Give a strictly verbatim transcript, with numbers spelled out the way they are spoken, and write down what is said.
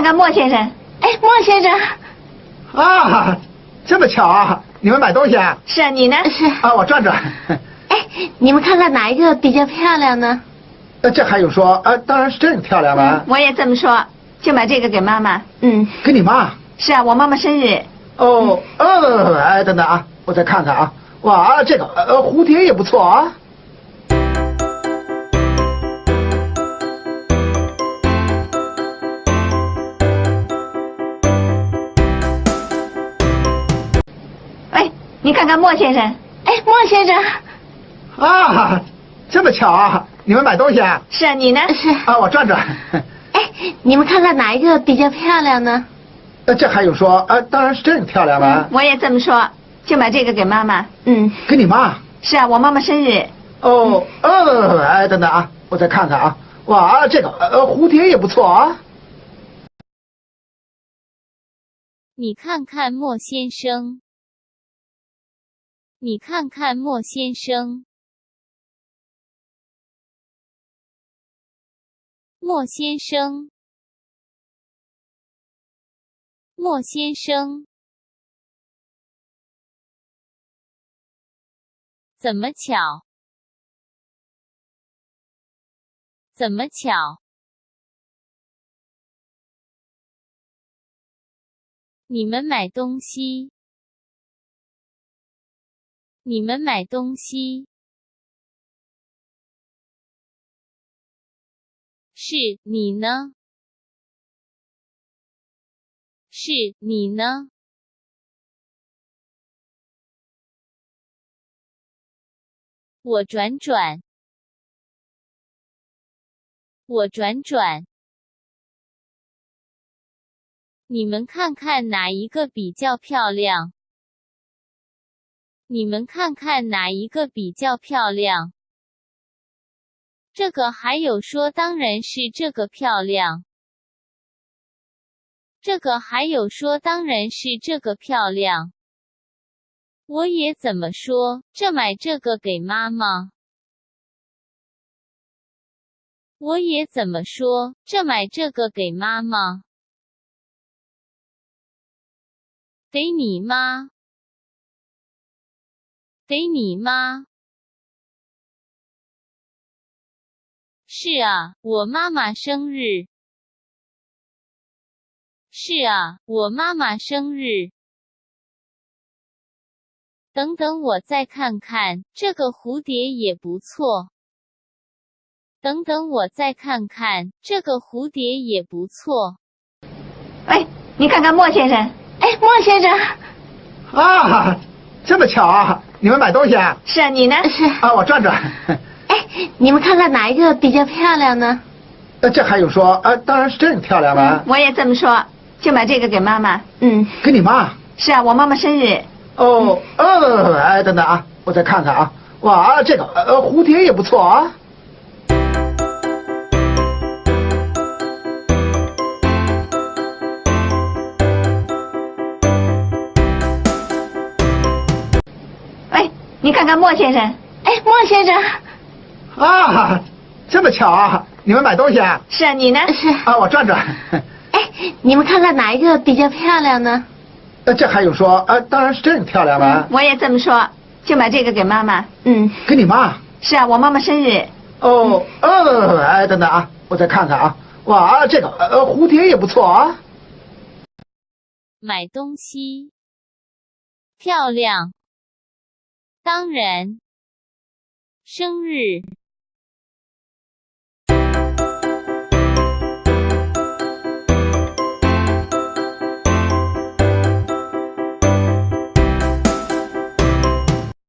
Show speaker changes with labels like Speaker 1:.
Speaker 1: 看莫先生。哎，莫先生。
Speaker 2: 啊，这么巧啊！你们买东西啊？
Speaker 1: 是啊，你呢？
Speaker 2: 是啊，我转转。
Speaker 3: 哎，你们看看哪一个比较漂亮呢？
Speaker 2: 呃，这还用说？啊，当然是这个漂亮了、
Speaker 1: 嗯。我也这么说，就买这个给妈妈。
Speaker 3: 嗯，
Speaker 2: 给你妈？
Speaker 1: 是啊，我妈妈生日。
Speaker 2: 哦，呃，哎，等等啊，我再看看啊。哇，这个呃蝴蝶也不错啊。
Speaker 1: 哎，你看看莫先生。
Speaker 3: 哎，莫先生。
Speaker 2: 啊，这么巧啊！你们买东西啊？
Speaker 1: 是啊，你呢？
Speaker 3: 是
Speaker 2: 啊，我转转。
Speaker 3: 哎，你们看看哪一个比较漂亮呢？
Speaker 2: 呃，这还用说？啊，当然是这个漂亮了、
Speaker 1: 嗯。我也这么说，就买这个给妈妈。
Speaker 3: 嗯，
Speaker 2: 给你妈？
Speaker 1: 是啊，我妈妈生日。
Speaker 2: 哦，呃，哎，等等啊，我再看看啊。哇，这个呃蝴蝶也不错啊。
Speaker 4: 你看看莫先生。你看看莫先生。莫先生。莫先生。怎么巧？怎么巧？你们买东西。你们买东西。是，你呢？是，你呢？我转转。我转转。你们看看哪一个比较漂亮？你们看看哪一个比较漂亮？这个还有说当然是这个漂亮。这个还有说当然是这个漂亮。我也怎么说，这买这个给妈妈。我也怎么说，这买这个给妈妈。给你妈。给你妈。是啊，我妈妈生日。是啊，我妈妈生日。等等，我再看看，这个蝴蝶也不错。等等，我再看看，这个蝴蝶也不错。
Speaker 1: 哎，你看看莫先生。
Speaker 3: 哎，莫先生。
Speaker 2: 啊，这么巧啊！你们买东西啊？
Speaker 1: 是啊，你呢？
Speaker 3: 是
Speaker 2: 啊，我转转。
Speaker 3: 哎，你们看看哪一个比较漂亮呢？
Speaker 2: 呃，这还用说？啊，当然是这个漂亮了、
Speaker 1: 嗯。我也这么说，就买这个给妈妈。
Speaker 3: 嗯，
Speaker 2: 给你妈？
Speaker 1: 是啊，我妈妈生日。
Speaker 2: 哦，呃，哎，等等啊，我再看看啊。哇，这个呃蝴蝶也不错啊。
Speaker 1: 哎，你看看莫先生。
Speaker 3: 哎，莫先生。
Speaker 2: 啊，这么巧啊！你们买东西啊？
Speaker 1: 是啊，你呢？
Speaker 3: 是
Speaker 2: 啊，我转转。
Speaker 3: 哎，你们看看哪一个比较漂亮呢？
Speaker 2: 呃，这还用说？啊，当然是这个漂亮了、
Speaker 1: 嗯。我也这么说，就买这个给妈妈。
Speaker 3: 嗯，
Speaker 2: 给你妈？
Speaker 1: 是啊，我妈妈生日。
Speaker 2: 哦，呃，哎，等等啊，我再看看啊。哇，这个呃蝴蝶也不错啊。
Speaker 4: 买东西。漂亮。当然。生日。